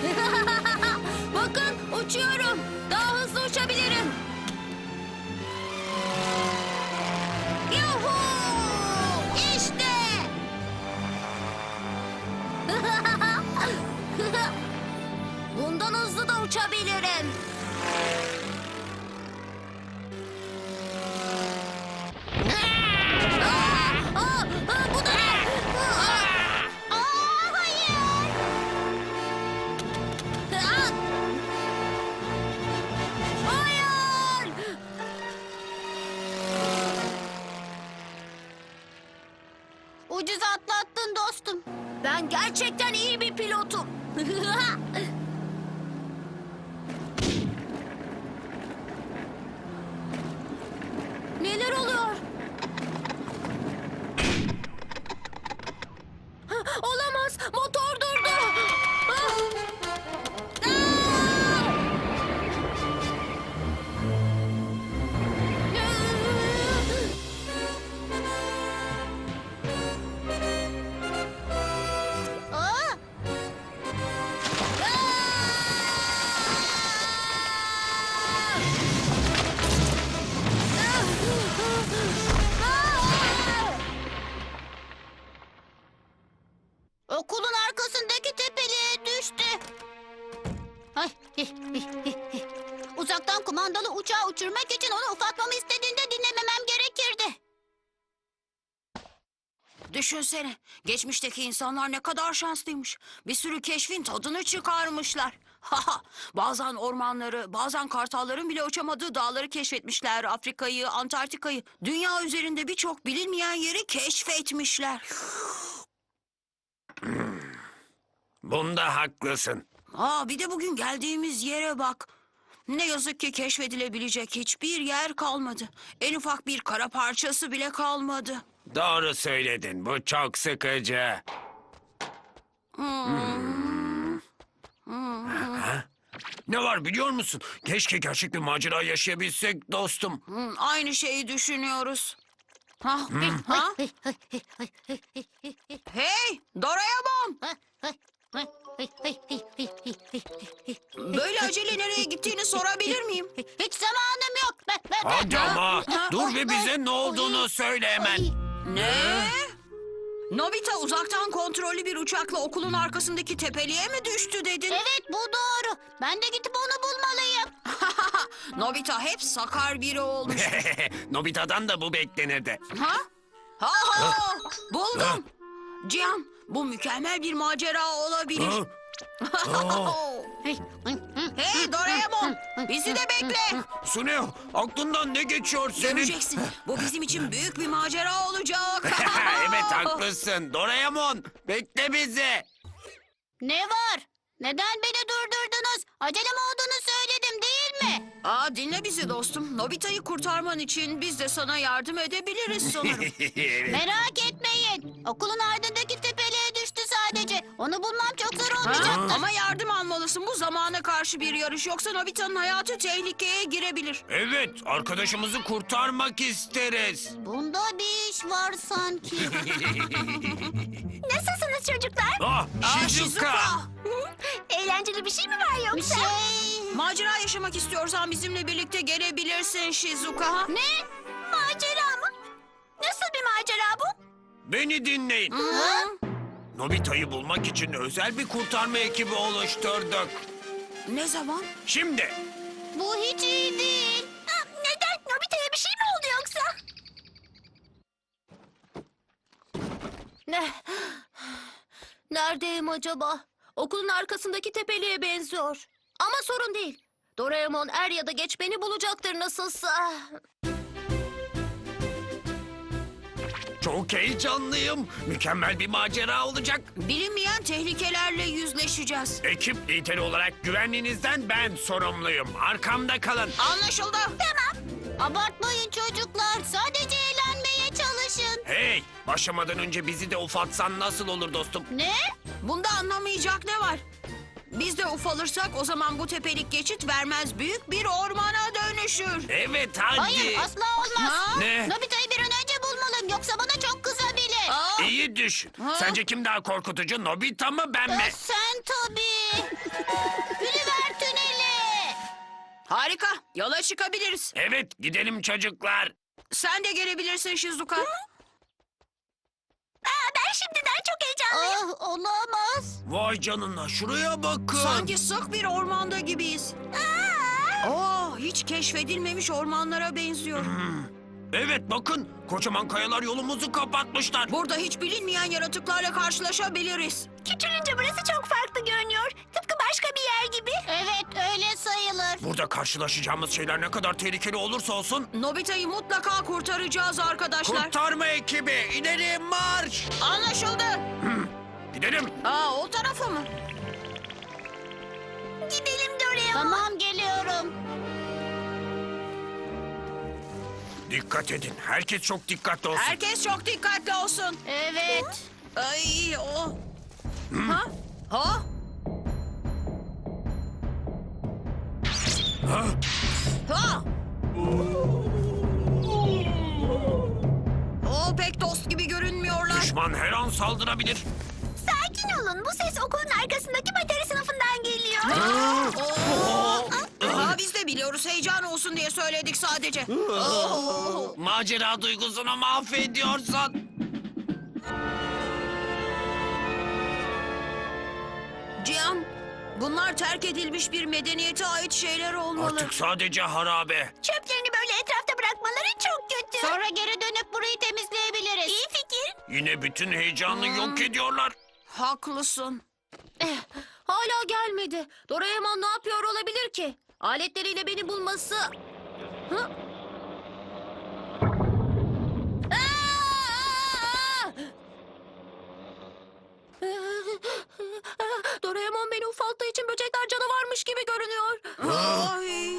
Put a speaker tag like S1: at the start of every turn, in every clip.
S1: Bakın uçuyorum. Daha hızlı uçabilirim. Yuhu! İşte. Bundan hızlı da uçabilirim. Bu da ne? Hayır. Hayır. Ucuz atlattın dostum. Ben gerçekten iyi bir pilotum. Neler oluyor? Olamaz. Motor durdu. Okulun arkasındaki tepeliğe düştü. Ay, uzaktan kumandalı uçağı uçurmak için onu ufaltmamı istediğinde dinlememem gerekirdi.
S2: Düşünsene, geçmişteki insanlar ne kadar şanslıymış. Bir sürü keşfin tadını çıkarmışlar. Bazen ormanları, bazen kartalların bile uçamadığı dağları keşfetmişler. Afrika'yı, Antarktika'yı, dünya üzerinde birçok bilinmeyen yeri keşfetmişler.
S3: Bunda haklısın.
S2: Bir de bugün geldiğimiz yere bak. Ne yazık ki keşfedilebilecek hiçbir yer kalmadı. En ufak bir kara parçası bile kalmadı.
S3: Doğru söyledin. Bu çok sıkıcı. Ha? Ne var biliyor musun? Keşke gerçek bir macera yaşayabilsek dostum.
S2: Aynı şeyi düşünüyoruz. Ha? Hey, Doraemon! Böyle acele nereye gittiğini sorabilir miyim?
S1: Hiç zamanım yok.
S3: Hadi ama dur ve bize ne olduğunu söyle hemen.
S2: Ne? Nobita uzaktan kontrollü bir uçakla okulun arkasındaki tepeliğe mi düştü dedin?
S1: Evet, bu doğru. Ben de gidip onu bulmalıyım.
S2: Nobita hep sakar biri olmuş.
S3: Nobita'dan da bu beklenirdi.
S2: Ha? Buldum. Cihan, bu mükemmel bir macera olabilir. Hey Doraemon, bizi de bekle.
S3: Suneo, aklından ne geçiyor senin?
S2: Göreceksin, bu bizim için büyük bir macera olacak.
S3: Evet haklısın. Doraemon, bekle bizi.
S1: Ne var? Neden beni durdurdunuz? Acelem olduğunu söyledim değil mi?
S2: Dinle bizi dostum. Nobita'yı kurtarman için biz de sana yardım edebiliriz sanırım.
S1: Merak etmeyin. Okulun ardındaki tepeliğe düştü sadece. Onu bulmam çok zor
S2: Ha?
S1: olmayacaktır.
S2: Ama yardım almalısın. Bu zamana karşı bir yarış. Yoksa Nobita'nın hayatı tehlikeye girebilir.
S3: Evet, arkadaşımızı kurtarmak isteriz.
S1: Bunda bir iş var sanki. Nasılsınız çocuklar?
S3: Shizuka.
S1: Eğlenceli bir şey mi var yoksa?
S2: Macera yaşamak istiyorsan bizimle birlikte gelebilirsin Shizuka.
S1: Ne? Macera mı? Nasıl bir macera bu?
S3: Beni dinleyin. Nobita'yı bulmak için özel bir kurtarma ekibi oluşturduk.
S2: Ne zaman?
S3: Şimdi.
S1: Bu hiç iyi değil. Neden? Nobita'ya bir şey mi oldu yoksa? Neredeyim acaba? Okulun arkasındaki tepeliğe benziyor. Ama sorun değil. Doraemon er ya da geç beni bulacaktır nasılsa.
S3: Çok heyecanlıyım. Mükemmel bir macera olacak.
S2: Bilinmeyen tehlikelerle yüzleşeceğiz.
S3: Ekip lideri olarak güvenliğinizden ben sorumluyum. Arkamda kalın.
S2: Anlaşıldı.
S1: Tamam. Abartmayın çocuklar. Sadece eğlenmeye çalışın.
S3: Hey, başlamadan önce bizi de ufaltsan nasıl olur dostum?
S1: Ne?
S2: Bunda anlamayacak ne var? Biz de ufalırsak o zaman bu tepelik geçit vermez, büyük bir ormana dönüşür.
S3: Evet hadi.
S1: Hayır, asla olmaz.
S2: Ha?
S3: Ne?
S1: Nobita'yı bir an önce bulmalıyım. Yoksa bana çok kızabilir.
S3: İyi düşün.
S2: Ha?
S3: Sence kim daha korkutucu, Nobita mı ben mi?
S1: Sen tabii.
S2: yola çıkabiliriz.
S3: Evet, gidelim çocuklar.
S2: Sen de gelebilirsin Shizuka.
S1: Ben şimdiden çok heyecanlıyım. Olamaz.
S3: Vay canına, şuraya bakın.
S2: Sanki sık bir ormanda gibiyiz. Hiç keşfedilmemiş ormanlara benziyor.
S3: Evet, bakın. Kocaman kayalar yolumuzu kapatmışlar.
S2: Burada hiç bilinmeyen yaratıklarla karşılaşabiliriz.
S1: Küçülünce burası çok farklı görünüyor. Tıpkı başka bir yer gibi. Evet, öyle sayılır.
S3: Burada karşılaşacağımız şeyler ne kadar tehlikeli olursa olsun...
S2: Nobita'yı mutlaka kurtaracağız arkadaşlar.
S3: Kurtarma ekibi, ileri marş!
S2: Anlaşıldı.
S3: Gidelim.
S2: O tarafa mı?
S1: Gidelim Doraemon. Tamam, geliyorum.
S3: Dikkat edin, herkes çok dikkatli olsun.
S2: Herkes çok dikkatli olsun.
S1: Evet.
S2: Ay o. Ha? Ha?
S3: Ha?
S2: Ha? O pek dost gibi görünmüyorlar.
S3: Düşman her an saldırabilir.
S1: Sakin olun. Bu ses okulun arkasındaki bateri sınıfından geliyor.
S2: Biz de biliyoruz, heyecan olsun diye söyledik sadece.
S3: Macera duygusunu mahvediyorsun.
S2: Cihan, bunlar terk edilmiş bir medeniyete ait şeyler olmalı.
S3: Artık sadece harabe.
S1: Çöplerini böyle etrafta bırakmaları çok kötü. Sonra geri dönüp burayı temizleyebiliriz. İyi fikir.
S3: Yine bütün heyecanı yok ediyorlar.
S2: Haklısın.
S1: Hala gelmedi. Doraemon ne yapıyor olabilir ki? Aletleriyle beni bulması... Hı? Doraemon beni ufalttığı için böcekler canavarmış gibi görünüyor.
S2: Ay.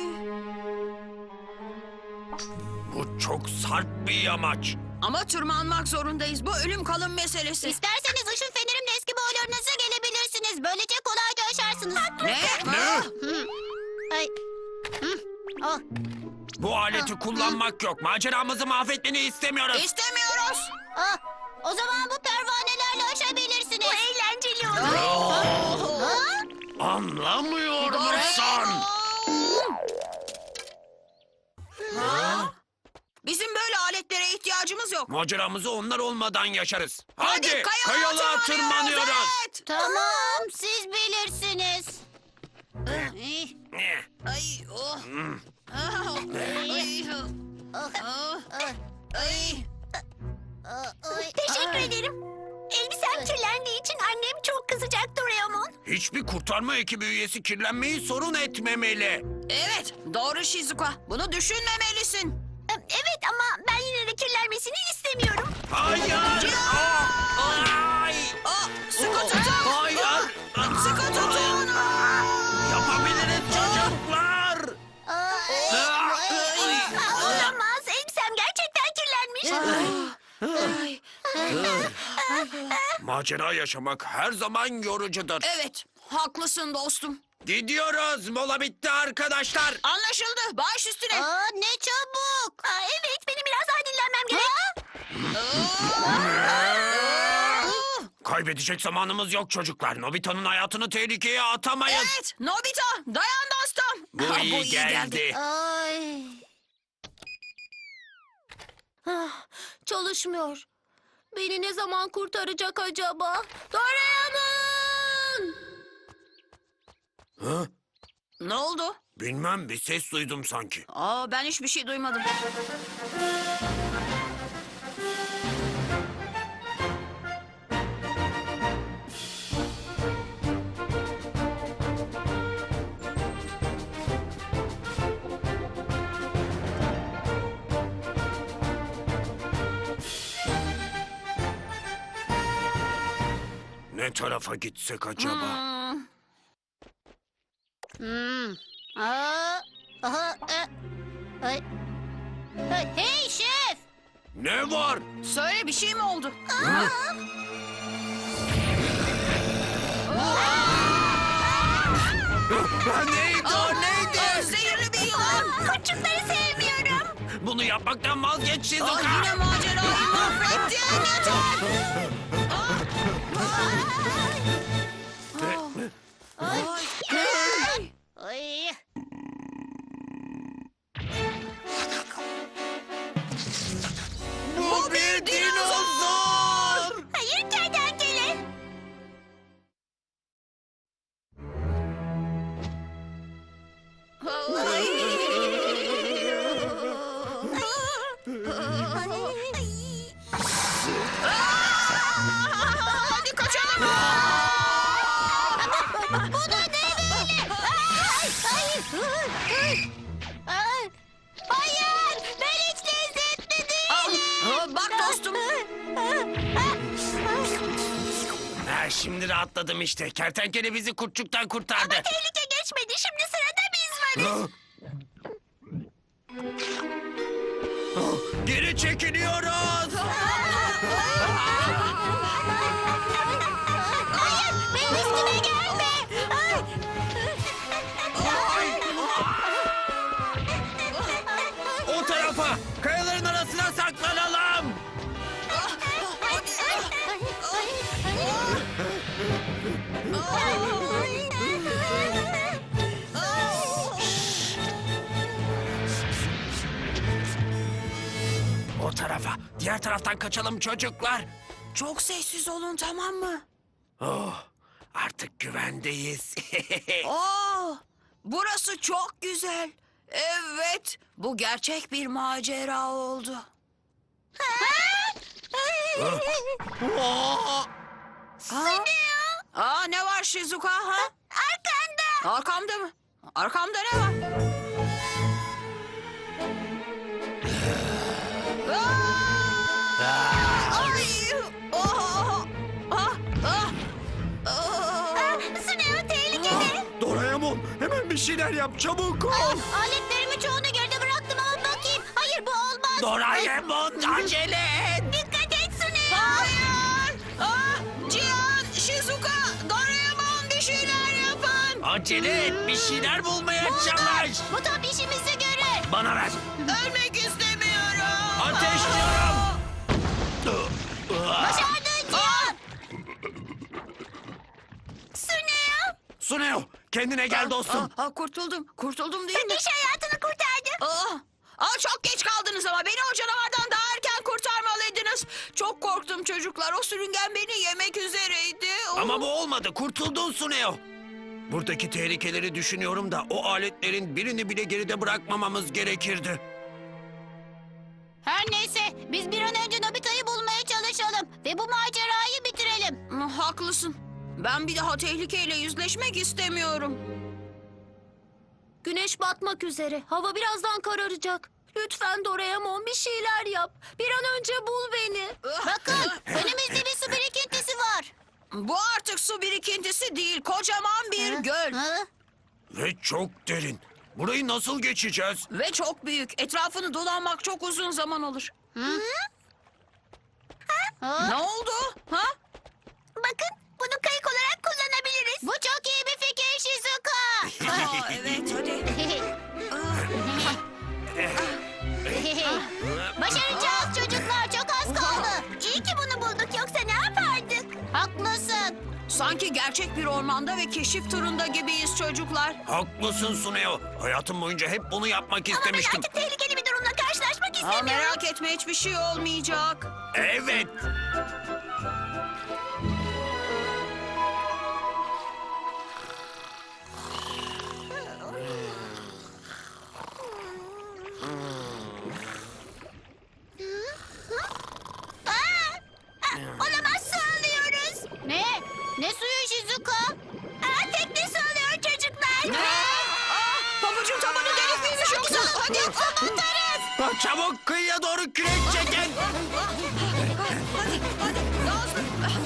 S3: Bu çok sarp bir yamaç.
S2: Ama tırmanmak zorundayız. Bu ölüm kalım meselesi.
S1: İsterseniz ışın fenerimle eski boylarınıza gelebilirsiniz. Böylece kolayca aşarsınız.
S2: Ne?
S3: Ne?
S1: Ay. Oh.
S3: Bu aleti kullanmak yok. Maceramızı mahvetmeni istemiyoruz.
S2: İstemiyoruz.
S1: Ah, o zaman bu pervanelerle aşabilirsiniz. Bu eğlenceli olur.
S3: Anlamıyor musun?
S2: Bizim böyle aletlere ihtiyacımız yok.
S3: Maceramızı onlar olmadan yaşarız. Hadi,
S2: kayalığa
S3: kayalığa tırmanıyoruz.
S2: Evet.
S1: Tamam, siz bilirsiniz.
S3: Ne?
S2: Ay, oh. Ay. Ay.
S1: Teşekkür ederim. Elbisem kirlendiği için annem çok kızacak Doraemon.
S3: Hiçbir kurtarma ekibi üyesi kirlenmeyi sorun etmemeli.
S2: Evet, doğru Shizuka. Bunu düşünmemelisin.
S1: Evet ama ben yine de kirlenmesini istemiyorum.
S3: Hayır! Ay!
S2: Sıkı tutun.
S3: Hayır!
S2: Sıkı tutun.
S3: Yapabiliriz çocuklar!
S1: Olamaz. Elbisem gerçekten kirlenmiş.
S3: Macera yaşamak her zaman yorucudur.
S2: Evet, haklısın dostum.
S3: Gidiyoruz. Mola bitti arkadaşlar.
S2: Anlaşıldı. Baş üstüne.
S1: Ne çabuk. Evet, benim biraz daha dinlenmem gerek.
S3: Kaybedecek zamanımız yok çocuklar. Nobita'nın hayatını tehlikeye atamayız.
S2: Evet, Nobita, dayan dostum.
S3: Bu iyi geldi.
S1: Ay. Çalışmıyor. Beni ne zaman kurtaracak acaba? Doraemon!
S3: Ha?
S2: Ne oldu?
S3: Bilmem, bir ses duydum sanki.
S2: Ben hiçbir şey duymadım.
S3: Ne tarafa gitsek acaba?
S1: Hey şef!
S3: Ne var?
S2: Söyle, bir şey mi oldu?
S3: Neydi o neydi?
S2: Zehirli bir yılan.
S1: Kurtçukları sevmiyorum.
S3: Bunu yapmaktan vazgeç Shizuka.
S2: Yine macerayı mahvettin. Yeter.
S1: Ay. Bu da ne böyle? Hayır, ben hiç lezzetli değilim.
S2: Bak dostum.
S3: Ha, şimdi rahatladım işte. Kertenkele bizi kurtçuktan kurtardı.
S1: Tehlike geçmedi. Şimdi sırada biz varız.
S3: Geri çekiliyoruz.
S1: Hayır, benim üstüme gelme.
S3: O tarafa. Kayaların arasına saklanalım. O tarafa. Diğer taraftan kaçalım çocuklar.
S2: Çok sessiz olun, tamam mı?
S3: Oh, artık güvendeyiz.
S2: Burası çok güzel. Evet, bu gerçek bir macera oldu.
S3: Oh,
S2: Ne var Shizuka ha?
S1: Arkanda.
S2: Arkamda mı? Arkamda ne var? Ay!
S1: Suneo tehlikeli.
S3: Doraemon, hemen bir şeyler yap, çabuk ol.
S1: Aletlerimin çoğunu geride bıraktım ama bakayım. Hayır bu olmaz.
S3: Doraemon, acele et.
S1: Dikkat et Suneo.
S2: Hayır! Cihan, Shizuka, Doraemon bir şeyler yapın.
S3: Acele et, bir şeyler bulmaya çalış.
S1: Bu tam işimizi görür.
S3: Bana ver.
S2: Ölmek istemiyorum.
S3: Ateşliyorum.
S1: Başardın Cihan. Suneo.
S3: Suneo, kendine gel dostum.
S2: Kurtuldum değil mi?
S1: İş hayatını kurtardım.
S2: Çok geç kaldınız ama beni o canavardan daha erken kurtarmalıydınız. Çok korktum çocuklar. O sürüngen beni yemek üzereydi.
S3: Ama bu olmadı, kurtuldun Suneo. Buradaki tehlikeleri düşünüyorum da o aletlerin birini bile geride bırakmamamız gerekirdi.
S1: Her neyse biz bir an önce Nobita'yı bulmaya çalışalım. Ve bu macerayı bitirelim.
S2: Haklısın. Ben bir daha tehlikeyle yüzleşmek istemiyorum.
S1: Güneş batmak üzere. Hava birazdan kararacak. Lütfen Doraemon bir şeyler yap. Bir an önce bul beni. Bakın önümüzde bir su birikintisi var.
S2: Bu artık su birikintisi değil, kocaman bir göl.
S3: Ve çok derin. Burayı nasıl geçeceğiz?
S2: Ve çok büyük. Etrafını dolanmak çok uzun zaman alır. Ne oldu? Ha?
S1: Bakın bunu kayık olarak kullanabiliriz. Bu çok iyi bir fikir Shizuka.
S2: Evet, hadi.
S1: Başaracağız çocuklar, çok az kaldı. İyi ki bunu bulduk, yoksa ne yapardık? Haklısın.
S2: Sanki gerçek bir ormanda ve keşif turunda gibiyiz çocuklar.
S3: Haklısın Suneo. Hayatım boyunca hep bunu yapmak
S1: Ama ben
S3: istemiştim.
S1: artık tehlikeli bir durumla karşılaşmak istemiyorum.
S2: Merak etme, hiçbir şey olmayacak.
S3: Evet.
S1: Olamaz, su alıyoruz. Ne? Ne suyu Shizuka? Tekne su alıyor çocuklar.
S2: Pabucun tabanı delik miymiş yoksa? Hadi.
S1: Atarız.
S3: Çabuk kıyıya doğru kürek çekin.
S2: Hadi. Daha hızlı.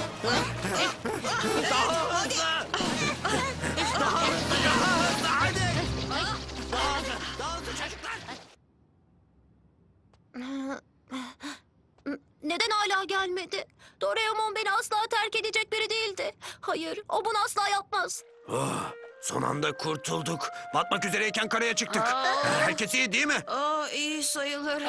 S3: Daha hızlı. Daha hızlı, hadi. Daha hızlı çocuklar.
S1: Neden hala gelmedi? Doraemon beni asla terk edecek biri değildi. Hayır, o bunu asla yapmaz.
S3: Oh, son anda kurtulduk. Batmak üzereyken karaya çıktık. Herkes iyi değil mi?
S2: İyi sayılır.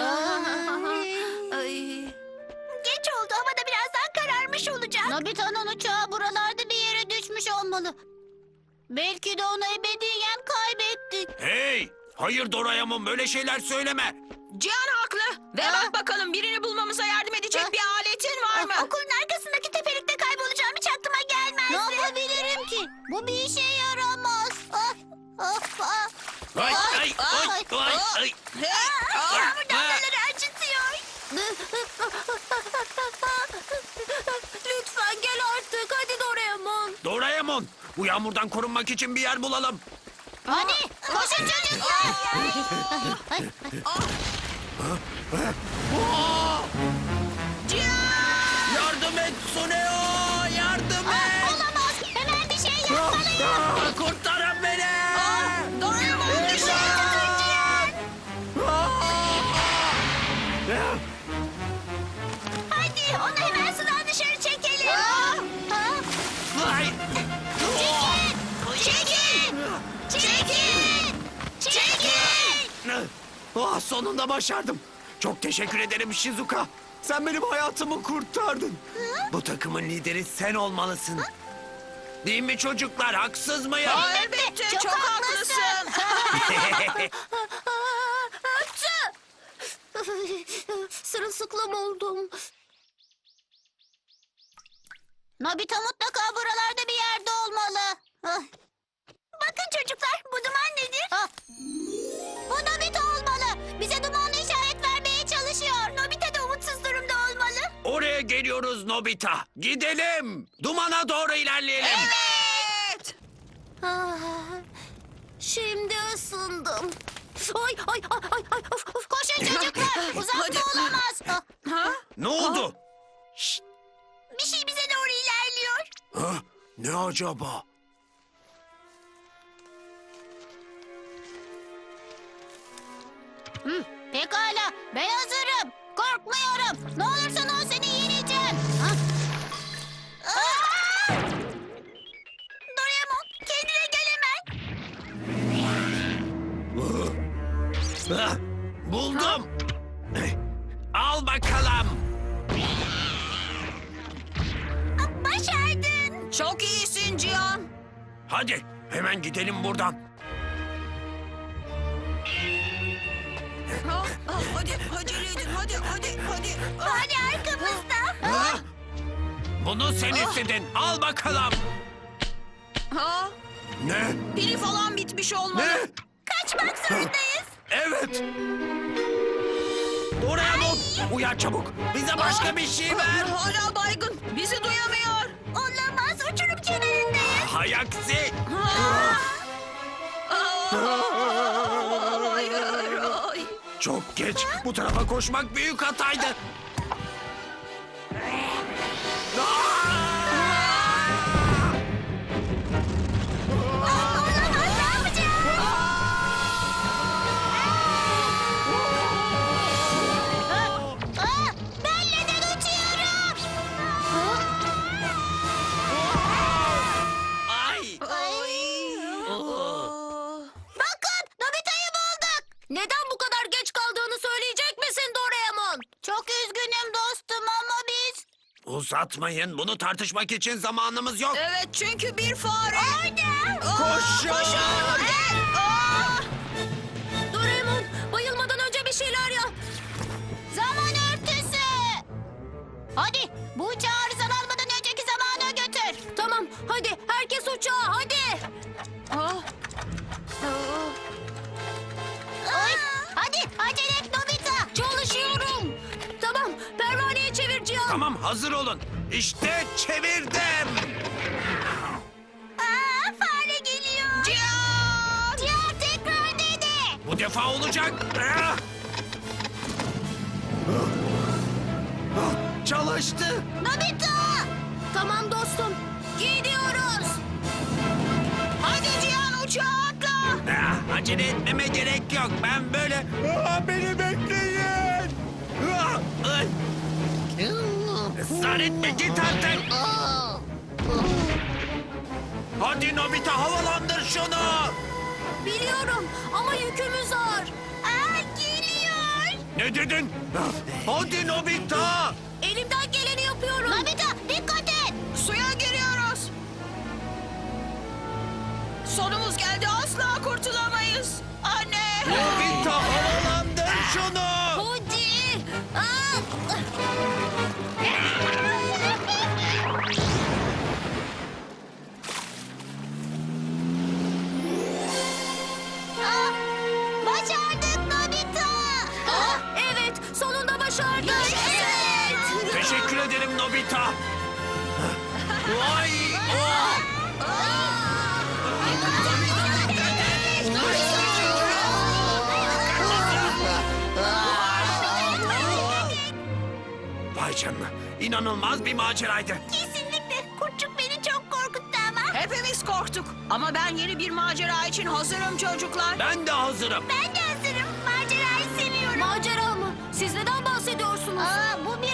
S2: Ay.
S1: Geç oldu, havada birazdan kararmış olacak. Nobita'nın uçağı buralarda bir yere düşmüş olmalı. Belki de onu ebediyen kaybettik.
S3: Hey! Hayır Doraemon, böyle şeyler söyleme.
S2: Cihan haklı. Ve bak bakalım, birini bulmamıza yardım edecek bir aletin var mı?
S1: Okulun arkasındaki tepelikte kaybolacağım hiç aklıma gelmezdi. Ne yapabilirim ki? Bu bir işe yaramaz.
S3: Ay, ay, ay, ay, ay.
S1: Yağmur damlaları acıtıyor. Lütfen gel artık. Hadi Doraemon.
S3: Doraemon, Bu yağmurdan korunmak için bir yer bulalım.
S1: Hadi koşun çocuklar.
S2: Cihan!
S3: Yardım et Suneo! Yardım et!
S1: Olamaz. Hemen bir şey yapmalıyım.
S3: Kurtarın beni!
S2: Doraemon düşüyor!
S1: Hadi onu hemen sudan dışarı çekelim.
S3: Ay!
S1: Çekin! Çekin! Çekin!
S3: Ah, sonunda başardım. Çok teşekkür ederim Shizuka. Sen benim hayatımı kurtardın. Bu takımın lideri sen olmalısın. Değil mi çocuklar? Haksız mıyım?
S2: Elbette çok haklısın.
S1: Sırılsıklam oldum. Nobita mutlaka buralarda bir yerde olmalı. Bakın çocuklar, bu duman nedir? Bu Nobita olmalı. Bize dumanlı işaret vermeye çalışıyor. Nobita da umutsuz durumda olmalı.
S3: Oraya geliyoruz Nobita. Gidelim. Dumana doğru ilerleyelim.
S2: Evet.
S1: Şimdi ısındım. Ay. Koşun çocuklar. Uzakta
S2: Hadi.
S1: olamaz.
S2: Ha?
S3: Ne oldu?
S1: Bir şey bize doğru ilerliyor.
S3: Ha? Ne acaba?
S1: Pekala, ben hazırım. Korkmuyorum. Ne olursa ol seni yeneceğim. Doraemon, kendine gel hemen.
S3: Ah, buldum. Al bakalım.
S1: Başardın.
S2: Çok iyisin Cihan.
S3: Hadi hemen gidelim buradan.
S2: Hadi acele edin hadi.
S1: Hadi arkamızda.
S3: Ha? Bunu sen istedin. Al bakalım.
S2: Ha?
S3: Ne?
S2: Pili falan bitmiş olmalı.
S3: Ne?
S1: Kaçmak zorundayız.
S3: Evet. Doraemon, uyan çabuk. Bize başka bir şey ver.
S2: Hala baygın. Bizi duyamıyor.
S1: Olamaz, uçurum kenarındayız.
S3: Hay aksi.
S2: Hayır. Ay.
S3: Çok geç. Bu tarafa koşmak büyük hataydı.
S1: Olamaz, ne yapacağız? Ben neden uçuyorum?
S3: Ay.
S1: Bakın, Nobita'yı bulduk. Neden bu kadar geç kaldığını söyleyecek misin Doraemon? Çok üzgünüm dostum ama biz...
S3: Uzatmayın. Bunu tartışmak için zamanımız yok.
S2: Evet çünkü bir fare.
S1: Orada.
S3: Koşun.
S1: Doraemon, bayılmadan önce bir şeyler yap. Zaman örtüsü. Hadi, bu uçağı arızalanmadan önceki zamana götür. Tamam, hadi herkes uçağa, hadi. Ay, hadi, acele et Nobita. Çalışıyorum. Tamam, pervaneyi çevir Cihan.
S3: Tamam, hazır olun. İşte çevirdim.
S1: Fare geliyor. Cihan tekrar dene.
S3: Bu defa olacak. Çalıştı.
S1: Nobita. Tamam dostum, gidiyoruz.
S2: Hadi Cihan uçağa atla.
S3: Acele etmeme gerek yok. Ben böyle... beni bekleyin. Ay. Israr etme, git artık. Hadi Nobita, havalandır şunu.
S1: Biliyorum ama yükümüz ağır. Geliyor.
S3: Ne dedin? Hadi Nobita.
S1: Elimden geleni yapıyorum. Nobita dikkat et.
S2: Suya giriyoruz. Sonumuz geldi asla kurtulamayız. Anne.
S3: Nobita, havalandır şunu.
S1: Hadi. Başardık Nobita. Evet, sonunda başardık. Evet.
S3: Teşekkür ederim Nobita. Vay! Oh! canına. İnanılmaz bir maceraydı.
S1: Kesinlikle. Kurtçuk beni çok korkuttu ama.
S2: Hepimiz korktuk. Ama ben yeni bir macera için hazırım çocuklar.
S3: Ben de hazırım.
S1: Ben de hazırım. Macerayı seviyorum.
S2: Macera mı? Siz neden bahsediyorsunuz?
S1: Aa, bu bir